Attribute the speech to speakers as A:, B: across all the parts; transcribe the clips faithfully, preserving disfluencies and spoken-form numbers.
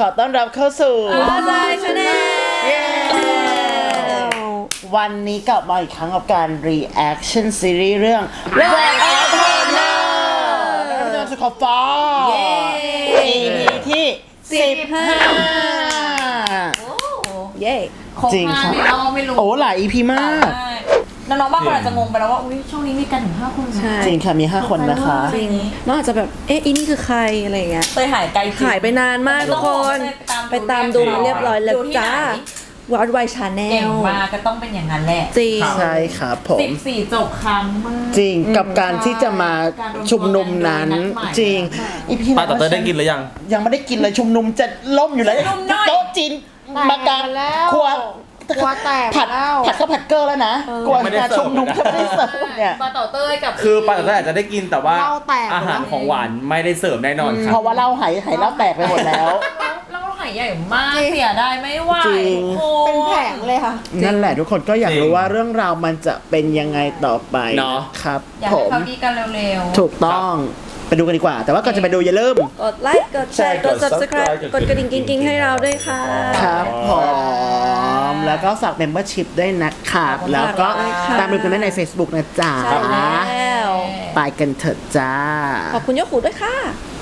A: อต้อนรับเข้าสู่
B: อาซายชาแนล
A: วันนี้กลับมาอีกครั้งกับการ reaction ซีรีส์เรื่อง Black Honor แล้วก็จะสุขฟ้า อี พี ที่สิบห้า
B: เย้
A: จริงครับ
C: เราไม่รู้
A: โอ้หลาย อี พี มาก
C: น้องๆบางคนอาจจะงงไปแล้วว่าอุ้ยช่วงนี้มีกันถึงห้าคน
A: จริงค่ะมีห้าคนนะคะ
B: จริงน้องอาจจะแบบเอ๊ะอีนี่คือใครอะไรเงี้ย
C: เตยหายไกล
B: หายไปนานมากทุกคนไปตามดูมาเรียบร้อยแล้วจ้าวัดไวชาแนล
C: เก่งมากก็ต้องเป็นอย่างนั้นแหละ
B: จริง
A: ใช่ครับผม
C: สิบสี่จบครั้งมาก
A: จริงกับการที่จะมาชุมนุมนั้นจริง
D: อีพีป้าต่อเตยได้กินหรือยัง
A: ยังไม่ได้กินเลยชุมนุมจะล่มอยู่แล้วโต๊ะจีนมากลางครัว
B: กลัวแตก
A: ผัดผัดข้าวผัดเกอร์แล้วนะกลัวจะชุมนุมจะไม่ได้เสิร์ฟเนี่ย
C: ปลาเต่าเต้ยกับ
D: คือปลาเต่าเต้ยอาจจะได้กินแต่ว่าอาหารของหวานไม่ได้เสิร์ฟแน่นอนครับ
A: เพราะว่าเหล้าหายหายเหล้าแตกไปหมดแล้ว
C: เหล้าหายใหญ่มากเสียได้ไม่ไหว
B: เป็นแผงเลยค่ะ
A: นั่นแหละทุกคนก็อยากรู้ว่าเรื่องราวมันจะเป็นยังไงต่อไป
D: เนาะ
A: ครับ
C: อยากให้เขาดีกันเร็ว
A: ๆถูกต้องไปดูกันดีกว่าแต่ว่าก่อนจะไปดูอย่าลืม
B: กดไลค์กดแชร์กด Subscribe กดกระดิ่งกิ๊งๆให้เราด้วยค่ะ
A: ครับผมแล้วก็ฝาก Membership ด้วยนะครับแล้วก็ตามดูกันได้ใน Facebook นะจ๊ะ
B: ใช่แล้ว
A: ไปกันเถิดจ้า
B: ขอบคุณยกหูด้วยค่ะ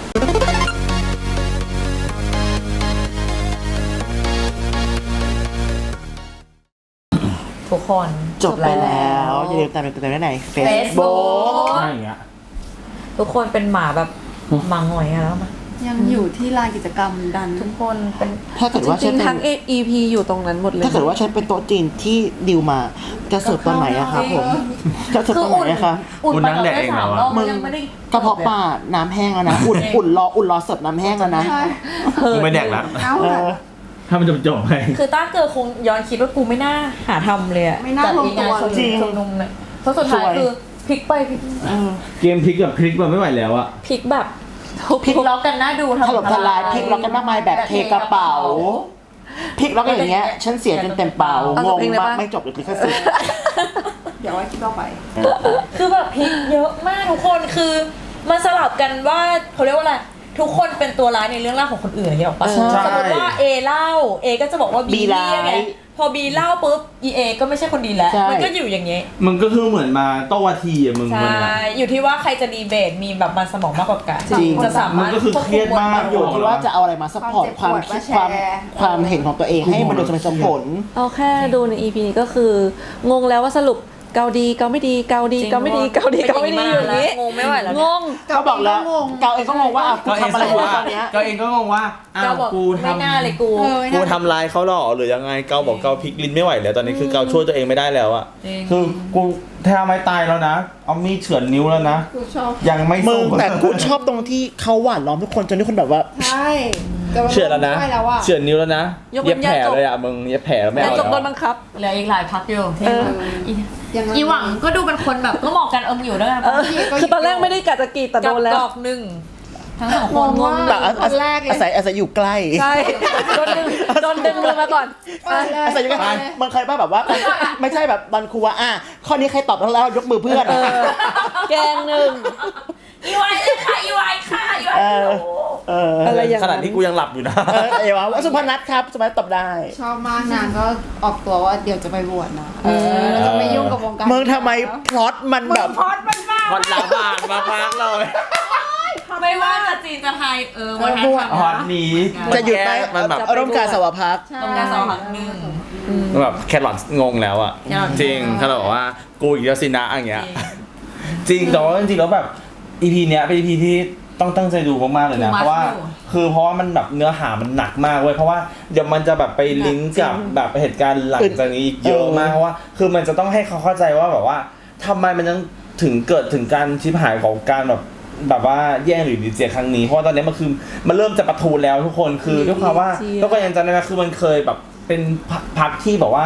C: ทุกคน
A: จบไปแล้วอย่าลืมตามดูกันได้ใน Facebook
D: อะไรอย่างเงี้ย
C: ทุกคนเป็นหมาแบบหมาหงอยแล้วมั้ย
B: ยังอยู่ที่ลานกิจกรรมดัน
C: ทุกคนเป็น
A: ถ้าเกิดว่าฉัน
B: ทั้ง อี พี อยู่ตรงนั้นหมดเลย
A: ถ้าเกิดว่าฉันเป็นโต๊ะจีนที่ดิวมาจะเสิร์ฟตอนไหนอะครับผมจะเสิร์ฟตอนไหนอะคะ
C: อุ่นนั่งแดกเองเหรอ
A: มึงกระเพาะปลาน้ำแห้งแล้วนะอุ่นอุ่นรออุ่นรอเสิร์ฟน้ำแห้งแล้วนะ
D: กูไม่แดกแล้วถ้ามันจะจบไป
C: คือต้าเกิดคงย้อนคิดว่ากูไม่น่าหาทำเลยอะ
B: จัด
C: งานชมนุมเนี่ยเพราะสุดท้ายคือพลิกไปพลิก
D: เกมพลิกแบบพลิกแบบไม่ไหวแล้วอะ
C: พลิกแบบพลิกล็อกกันน่าดู
A: ถล่มทลายพลิกล็อกกันมากมายแบบเทกระเป๋าพลิกล็อกกันอย่างเงี้ยฉันเสียจนเต็มเป๋างงมากไม่จบเลยพลิกแค่สิ
B: เดี๋ยวไว้คลิปต่อไป
C: คือแบบพลิกเยอะมากทุกคนคือมันสลับกันว่าเขาเรียกว่าอะไรทุกคนเป็นตัวร้ายในเรื่องเล่าของคนอื่นอย่างเงี้ยหรอปะสมมติว่า A เล่า A ก็จะบอกว่า B ร้ายพอ B เล่าปุ๊บ E A ก็ไม่ใช่คนดีแล้วมันก็อยู่อย่างเงี้ย
D: มันก็คือเหมือนมาโต้วาทีอ่ะมึง
C: ใช่อยู่ที่ว่าใครจะดีเบตมีแบบมันสมองมากกว่ากันจะสามารถ
D: ก็คือเครียดมาก
A: อยู่ที่ว่าจะเอาอะไรมาซัพพอร์ตความคิดความความเห็นของตัวเองให้มันดูสมเหตุสมผล
B: เอาแค่ดูใน อี พี นี้ก็คืองงแล้วว่าสรุปเกาดีเกาไม่ดีเกาดีเกาไม่ดีเกาดีเกาไม่ดีอยู่อย่างนี้
C: งงไม่ไหวแล้ว
B: งง
A: เขาบอกแล้วเกาเองก็งงว่ากูทำอะไรอยู่ตอนนี้
D: เกาเองก็งงว่าอ้าวกูทำ
C: ไม่น่าเลยกู
D: กูทำลายเขาหรอหรือยังไงเกาบอกเกาพลิกลิ้นไม่ไหวแล้วตอนนี้คือเกาช่วยตัวเองไม่ได้แล้วอะคือกูแทบไม่ตายแล้วนะเอามีดเฉือนนิ้วแล้วนะยังไม่
A: มึงแต่กูชอบตรงที่เขาหวานล้อมทุกคนจนทุกคนแบบว่า
B: ใช่
D: เฉือนแล้วนะเฉือนนิ้วแล้วนะเย็บแผลเลยอะมึงเย็บแผลแล้วไม่เอา
B: แล้วจบโดนบังคับ
C: เหลืออีกหลายพักอยู่อีหวังก็ดูเป็นคนแบบก็เหมาะกันเอิมอยู่ด้วยกัน
B: คือตอนแรกไม่ได้กะจะกีดแต่โดนแล้ว
C: ดอกหนึ่งทั้งสองคนงง
A: แต่อาศัยอาศัยอยู่ใกล้
B: ใช่โดนดึงโดนดึงมือมาก่อน
A: อาศัยอยู่ใกล้มันเคยป่ะแบบว่าไม่ใช่แบบตอนครูว่าอ่ะข้อนี้ใครตอบแล้วยกมือเพื่อน
B: แกงหนึ่ง
C: อีไวค่ะอีไวค่ะอีไว
D: อะไรอย่างขนาดที่กูยังหลับอยู่นะ
A: เอวว่าสุพนัทครับสุพนัทตอบได้
B: ชอบมากนางก็ออกตัวว่าเดี๋ยวจะไปบวชนะเออจะไม่ยุ่งกับวงการ
A: มึงทำไมพล็อตมันแบบ
C: พล็อตมันมาก
D: พล็อตละบากมากๆเลย
C: ไม่ว่าจะจีนจะไทยเออวันนั้น
D: ฮอตนี้
A: จะหยุดไหมมันแบบอารมณ์การสวพัก
C: อารมณ์การสวพักหนึ่ง
D: แบบแครอทงงแล้วอ่ะจริงเขาบอกว่ากูอีกแล้วสินะอย่างเงี้ยจริงแต่ว่าจริงๆแล้วแบบ อี พี เนี้ยเป็น อี พี ที่ต้องตั้งใจดูมากๆเลยนะเพราะว่าคือเพราะว่ามันแบบเนื้อหามันหนักมากเว้ยเพราะว่าเดี๋ยวมันจะแบบไปลิงก์กับแบบเหตุการณ์หลังจากนี้อีกเยอะมากเพราะว่าคือมันจะต้องให้เขาเข้าใจว่าแบบว่าทำไมมันยังถึงเกิดถึงการชิบหายของการแบบแบบว่าแย่งหรือดีเจครั้งนี้เพราะตอนนี้มันคือมันเริ่มจะประทูแล้วทุกคนคือด้วยความว่าแล้วก็ยังจำได้ไหมคือมันเคยแบบเป็นพักที่บอกว่า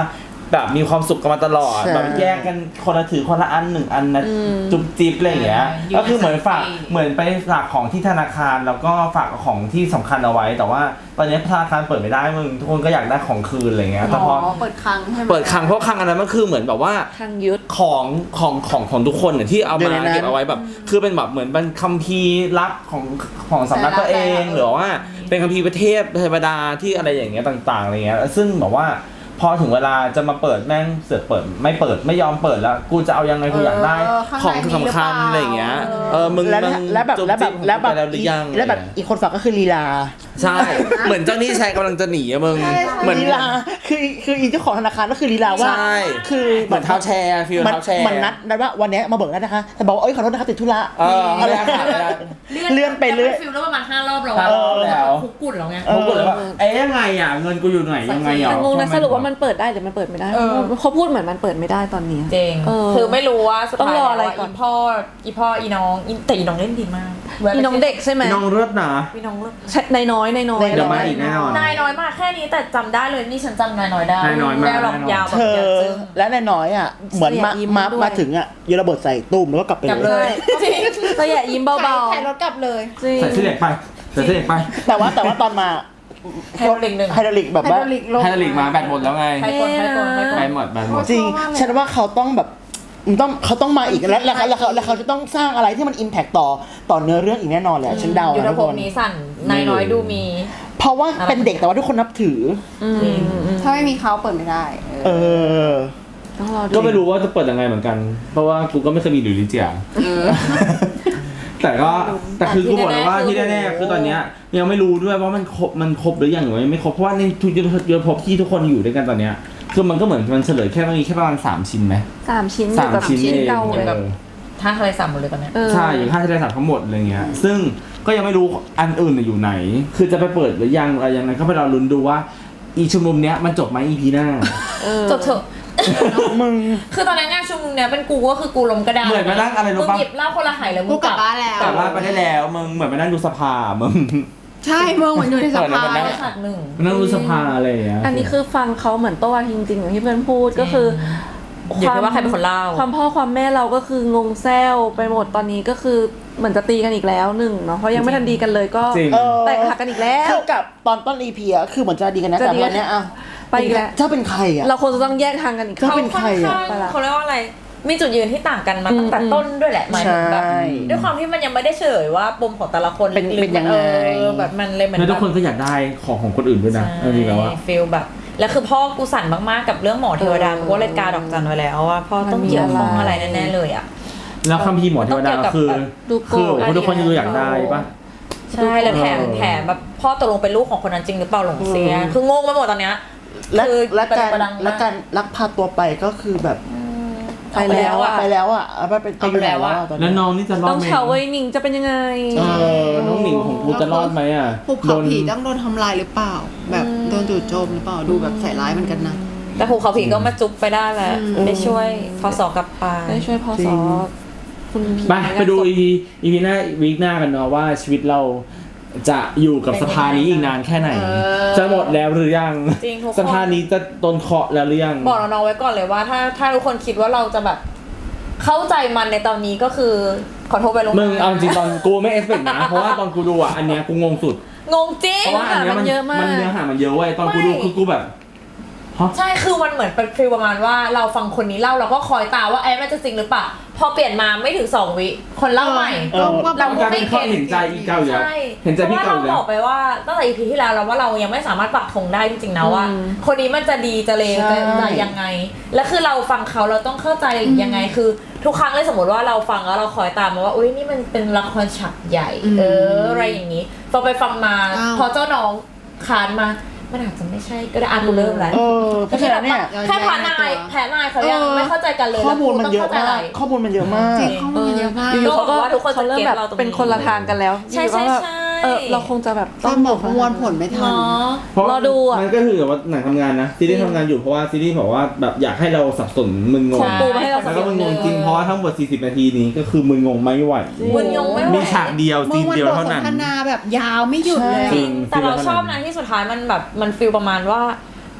D: แบบมีความสุขกันมาตลอด
A: ใช่
D: แบบแยกกันคนละถือคนละอันหนึ่งอันนะจุ๊บจิ๊บอะไรอย่างเงี้ย
C: อยู่
D: ก็คือเหมือนฝาก
C: ในสาย
D: เหมือนไปฝากของที่ธนาคารแล้วก็ฝากของที่สำคัญเอาไว้ แต่ว่าตอนนี้ธนาคารเปิดไม่ได้มึงทุกคนก็อยากได้ของคืนอะไรเงี้ยแต่พอ
E: เปิดคลังใช่ไหม
D: เปิดคลังเพราะคลังอันนั้นมันคือเหมือนแบบว่า
B: ทางยึด
D: ของของของของทุกคนเนี่ยที่เอา
A: อยู่
D: มา
A: ในนั้น
D: เก็บเอาไว้แบบ คือเป็นแบบเหมือนเป็นคัมภีร์ลับของของสำนักตัวเองหรือว่าเป็นคัมภีร์ประเทศเทวดาที่อะไรอย่างเงี้ยต่างๆอะไรเงี้ยซึ่งแบบว่าพอถึงเวลาจะมาเปิดแม่งเสือกเปิดไม่เปิดไม่ยอมเปิดแล้วกูจะเอายังไงกูอยากได้ของสำคัญอะไรอย่างเงี้ยเออมึง
A: แล้ว
D: มึง
A: แล้วแบบ
D: จุ๊
A: แล้วแบบ
D: จิ๊
A: แล้วแบบ
D: ไปแล้วหรือยัง
A: แล้วแบบอีกคนฝากก็คือลีลา
D: ใช่ เหมือนเจ้าหนี้ชายกำลังจะหนีอะมึงเหมือน
A: ลีลาคือคืออีเจ้าของธนาคารก็คือลีลาว่า
D: ใช่
A: คือ
D: เหมือนเท้าแชร์ฟีล
A: มัน
D: เท้าแชร์
A: มันนัดนัดว่าวันเนี้ยมาเบิกแล้วนะคะแต่บอกว่าเอ้ยขอโทษนะคะติดธุระ
D: เออ
A: อะไร
D: ไม่ได้ค่ะไม่ได้
A: เลื่อนไปเรื่อย
C: ฟิลแล้วประมาณห้ารอบแล้ว
D: ห้ารอบแล้ว
C: คุกกุ่นแล้วไง
D: ผมกดเลยว่าเอ๊ยยังไงอ่ะเงินกูอยู่ไหนยังไงอ่ะ
B: แต่งงนะสรุปว่ามันเปิดได้หรือมันเปิดไม่ได้
C: เออ
B: เขาพูดเหมือนมันเปิดไม่ได้ตอนนี้
C: เจง
B: เออ
C: คือไม่รู้ว่าสุด
B: ต้อง
C: ท้าย
B: รอ
C: แล้ว
B: อะไร
C: ว่า
B: ก่อน
C: อีพ่ออีพ่ออีน้องอีแต่อีน้องเล่นดีมาก
B: อีน้องเด็กใช่ไหม
D: น้องเลิศนะ
C: อีน้องเลิศ
B: ใช่นายน้อยนายน้อย
A: นายน้อย
D: เดี๋ยวมาอีกแน่นอน
C: นายน้อยมากแค่นี้แต่จำได้เลยนี่ฉันจำนายน้อยได้
D: นายน้อยมาก
C: แวหลอกยาวแบบ
A: เธอ
C: เยอะจึง
A: และนายน้อยอ่ะเหมือนมามามาถึงอ่ะโยนระเบิดใส่ตุ้มแล้วก็กลับไป
C: กลับ
A: เล
C: เลย ยจริง
B: ก็อย่ายิ้มเบา
E: ถ่ายรถกลับเลย
B: ๆจริง
D: ใส่เสื้อเหล็กไปใส่เสื้อเหล็กไป
A: แต่ว่าแต่ว่าตอนมา
C: ไฮโดรลิกหนึ่ง
A: ไฮดรอลิกแบบ
E: ไฮ
A: ว่า
E: ดรอลิกลง
D: ไฮดรอลิกมาแบตหมดแล้วไง
C: ไฮกลไฮกลไฮก
D: ไป
C: ล
D: หมดแบตหมด
A: จริง
E: ชอบมากเลย
A: ฉันว่าเขาต้องแบบมันต้องเขาต้องมาอีกแล้วแล้วแล้วเขาแล้วเขาจะต้องสร้างอะไรที่มันอิมแพคต่อต่อเนื้อเรื่องอีกแน่นอนแหละฉันเดา
C: ยุทธ
A: นะทุก
C: ภ
A: ค
C: พ
A: น
C: นี้สั่นนายน้อยดูมี
A: เพราะว่าเป็นเด็กแต่ว่าทุกคนนับถือ
C: จริง
E: ถ้าไม่มีเขาเปิดไม่ได้
A: เออ
B: ต้องรอดู
D: ก็ไม่รู้ว่าจะเปิดยังไงเหมือนกัน เพราะว่ากูก็ไม่เคยมีหรือลิเจียแต่ก็แต่คือกูบอกเลยว่าที่แน่ๆคือตอนเนี้ยยังไม่รู้ด้วยว่ามันครบมันครบหรือยังหรือไม่ครบเพราะว่าในทุกยุทธภพที่ทุกคนอยู่ด้วยกันตอนเนี้ยคือมันก็เหมือนมันเฉลยแค่มันมีแค่ประมาณสามชิ้นไหม
B: สามชิ้น
D: สาม
B: แบบ
D: ชิ้นเอง
B: เก่า
C: อยู่
B: เลย
C: กับ ท่าทะเลสาบหมดเลยตอนเนี้ย
B: เออ
D: ใช่อย่างค่าทะเลสาบทั้งหมดอะไรเงี้ยซึ่งก็ยังไม่รู้อันอื่นน่ะอยู่ไหน คือจะไปเปิดหรือยังอะไรยังไงก็ไปรอลุ้นดูว่าอีชุมนุมเนี้ยมันจบไหมอีพีหน้า
B: เออ
C: จบเถอะ
A: มึง
C: คือตอนนั้นงานชุมนุมเนี้ยเป็นกูก็คือกูล้มกระดาน
D: เหมือนมานั่งอะไรรู้
C: มึง
D: ปะ
C: หยิบเหล้าคนละหายแล้วมึ
E: กู
C: ง
E: กลับบ้านแล้ว
D: กลับบ้านไปได้แล้วมึงเหมือนไปนั่งดูสภามึง
E: ใช่เมืองเหมือนอยู่ในสภา
D: เปิดแล้วมันได้
C: ฉากหนึ่ง
D: ไปนั่งดูสภาอะไรอย่างเงี้ย
B: อันนี้คือฟังเขาเหมือนโต้จริงๆอย่างที่เพื่อนพูดก็คือ
C: อยู่ที่ว่าใครเป็นคนเล่า
B: ความพ่อความแม่เราก็คืองงแซวไปหมดตอนนี้ก็คือเหมือนจะตีกันอีกแล้วหนึ่งเนาะเพราะยังไม่ทันดีกันเลยก็
D: จริง
A: เออ
B: แตกหักกันอีกแล้ว
A: คือกับตอนต้นอีพีอะคือเหมือนจะดีกันนะ
B: จะ
A: แต่
B: ดี
A: ตอนเนี้ยอ่ะ
B: ไปอีกแล้ว
A: เจ้าเป็นใครอ่ะ
B: เราควรจะต้องแยกทางกันอีก
A: ก็ เป็นใครอะ
C: เขาค่อนข้างเขาเรียกว่าอะไร มีจุดยืนที่ต่างกันมาตั้งแต่
B: อืม
C: ต้นด้วยแหละหมายถึงแบบ
A: ใช่
C: ด้วยความที่มันยังไม่ได้เฉลยว่าปมของแต่ละคน
A: เป็น
C: ลึกๆ
A: เป็นยังไง
C: เออแบบมันเลยเหมือน
D: แล้วทุกคน
C: แบบ
D: ก็อยากได้ของของคนอื่นด้วยนะเอาจริงๆแล้วอะ
C: ฟีลแบบแล้วคือพ่อกูสั่นมากๆกับเรื่องหมอเทวดากูก็เลยกาดอกจันไว้แล้วว่าพ่อต้องเกี่ยวข้องอะไรแน่ๆเลยอ่ะ
D: แล้วคัมภีร์หมอเทวดาก็คือ
B: ดูโก
D: คือ
B: รธ
D: คนทุกคนจะดูอยากได้ปะ
C: ใช่แล้วแถม
D: เออ
C: แถมแบบพ่อตกลงเป็นลูกของคนนั้นจริงหรือเปล่าหลงเสียคืองงไปหมดตอนเนี้ย
A: และ
C: คือ
A: และการ
C: ประดังม
A: และการลักพาตัวไปก็คือแบบ
B: ไปแล้วอะ
A: ไปแล้วอ่ะเอาไปเป็นไปอยู่ไหนแล้วอะตอน
D: แล้
A: นี้
D: วน้องนี่จะรอ
B: ต้
D: ด
B: อง
D: ไหม
B: เฉาไว้หนิงจะเป็นยังไง
D: เออน้องหนิงของกูจะรอดไหมอ่ะ
E: ภูเขาผีต้องโดนทำลายหรือเปล่า แบบโดนจู่โจมหรือเปล่าดูแบบใส่ร้ายเหมือนกันนะ
C: แต่ภูเขาผีก็มาจุ๊บไปได้แหละ
E: อืม
C: ได้ช่วยพอสอกลับไป
B: ได้ช่วยพอสอคุณผี
D: ไปไปดูอีพีอีพีหน้าวีคหน้ากันเนาะว่าชีวิตเราจะอยู่กับสภานี้อีกนานแค่ไหน
C: เออ
D: จะหมดแล้วหรือยัง
C: จริงทุกคน
D: สภานี้จะโดนเคาะแล้วหรือยัง
C: บอกน้องๆไว้ก่อนเลยว่าถ้าถ้าทุกคนคิดว่าเราจะแบบเข้าใจมันในตอนนี้ก็คือขอโทษไปลง
D: มึงเอาจริงตอนกูไม่เอสเปกนะ เพราะว่าตอนกูดูอ่ะอันเนี้ยกูงงสุด
C: งงจริง
D: เพราะว่าอันเนี้ยมัน
B: เยอะมาก
D: มันเนื้อหามันเยอะเว้ยตอนกูดู
C: ไม่
D: คือกูแบบฮะ
C: ใช่คือมันเหมือนเป็นฟีลประมาณว่าเราฟังคนนี้เล่าเราก็คอยตามว่าไอ้มันจะจริงหรือเปล่าพอเปลี่ยนมาไม่ถึงสองวิคนเล่าใหม่
A: เออ
C: เรา
D: มัน
C: ก็
D: กลาย
C: ไม่
D: เป็นข้อ
C: เก็ต
D: เห็นใจอีเก่าอยู่แล้ว
C: ใช่
D: เห็นใจพี่
C: เพ
D: เก่า
C: ราะ
D: อยู่
C: ว่าเรา
D: แล้
C: บ
D: ว
C: อกไปว่าตั้งแต่ อี พี ที่แล้วแล้วว่าเรายังไม่สามารถปักธงได้จริงๆนะว่า
B: อืม
C: คนนี้มันจะดีจะเลว
A: ใช่
C: จะจะยังไง และคือเราฟังเขาเราต้องเข้าใจยังไงคือ ทุกครั้งเลยสมมติว่าเราฟังแล้วเราคอยตามมาว่าอุ้ยนี่มันเป็นละครฉากใหญ่ เอออะไรอย่างนี้พอไปฟังมา
E: อ้าว
C: พอเจ้าน้องคานมามันอาจจะไม่ใช่ก็ได้อ่านกูเริ่มแล้ว
A: เออเพราะฉะนั้นเนี่ย
C: แค่พานายแพ้นายเขายังไม่เข้าใจกันเลย
A: ข้อมูลมันเยอะ
C: แล้วกูต้งข้
A: มา
C: ใจ
A: กข้อมูลมันเยอะมาก
E: จริงข้อมูลเยอะมาก
B: อยู่ๆเขาก็
C: ก็บอกว่าทุกคนจะ
B: เขาเริ่ม
C: เก็ต
B: แบบ
C: เราตรงนี้
B: เป็นคนละทางกันแล้ว
C: ใช่
B: อยู่ๆก็แบบ
C: ใช่
B: เออเราคงจะแบบ
E: ตอนบอกประมวลผลไม่ทัน
C: เนาะ
D: เพราะ
B: รอดูอะ
D: มันก็คือแบบว่าหนังทำงานนะซีรีส์ทำงานอยู่เพราะว่าซีรีส์บอกว่าแบบอยากให้เราสับสนมึนงง
B: ของปูมาให้เราสั
D: แล้
B: บ
D: ว
B: ส
D: ก็
B: น
D: มึนงงจริงเพราะว่าทั้งหมดสี่สิบนาทีนี้ก็คือมึนงงไม่ไหว
C: มึนงงไม่ไหว
D: มีฉากเดียว
E: เมื่
D: ซี
E: อน วัน
D: เดียว
E: บท
D: เท่า
E: ส
D: นั้น
E: นทนาแบบยาวไม่หยุดเลย
D: จริง
C: แต่เราชอบนะที่สุดท้ายมันแบบมันฟีลประมาณว่า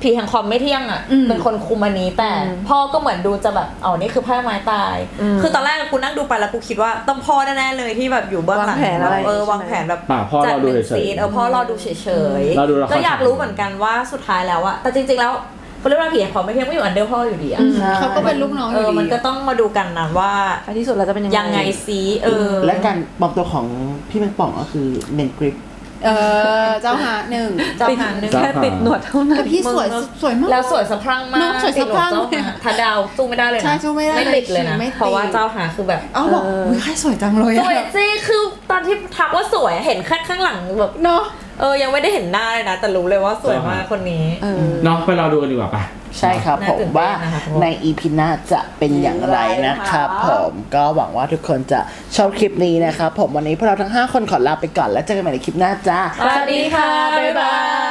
C: ผีแห่งความไม่เที่ยงอ่ะเป็นคนคุมอันนี้แต่พ่อก็เหมือนดูจะแบบอ๋อนี่คือไพ่ไม้ตาย คือตอนแรกกูนั่งดูไปแล้วกูคิดว่าต้องพ่อแน่ๆเลยที่แบบอยู่เบื้องหลัง
B: วางแผนอะไร
C: เออวางแผนแบบ
D: ป่าพ่อ
C: จัด
D: เราดู
C: เป็น
D: เฉยๆ
C: ซีนเออพ่อรอดูเฉย
D: เราดูละคร
C: ก็อยากรู้เหมือนกันว่าสุดท้ายแล้วอะแต่จริงๆแล้วเขาเรียกว่าผีแห่งความไม่เที่ยงก็อยู่อันเดอร์พ่ออยู่ดีอะ
E: เขาก็เป็นลูกน้องอ
C: เอยู่ อ
E: ดี
C: มันก็ต้องมาดูกันนะว่า
B: ท้ายที่สุดเราจะเป็นยังไง
C: ยังไงซีเออ
A: และการปลอมตัวของพี่แมงป่องก็คือเมนกริป
E: เออเจ้าหาหนึ่ง
C: เจ้าหางหนึ่ง
B: แค่ติดหนวดเท่านั้
E: แต่
B: น
E: พี่สวยสวยมาก
C: แล้วสวยสะพรั่งมา
E: เน
C: ก
E: อะสวยสะพรั่ง
C: ติดหลวดเจ้าหาถ้าดาวสู้ไม่ได้เลยนะ
E: ใช่สู้ไม่ได้
C: ไม่ติดเลยนะ
E: ไม่ติด
C: เพราะว่าเจ้าหาคือแบบ
E: เอ้าบอกอุ๊ยใครสวยจังเลย
C: ส
E: อะ
C: วยสิคือตอนที่ทักว่าสวยเห็นแค่ข้างหลังแบบ
E: เนาะ
C: เออยังไม่ได้เห็นหน้าเลยนะแต่รู้เลยว่าสวยมากคนนี้
B: เออ
D: เนาะไปรอดูกันดีกว่าปะ
A: ใช่ครับ
C: น่า
A: ผม
C: ตื่นเต้น
A: ว่า
C: นะคะ
A: ใน อี พี หน้าจะเป็นอย่างไรนะครับผมก็หวังว่าทุกคนจะชอบคลิปนี้นะครับผมวันนี้พวกเราทั้งห้าคนขอลาไปก่อนแล้วเจอกันใหม่ในคลิปหน้าจ้า
C: สวัสดีค่ะ บ๊ายบาย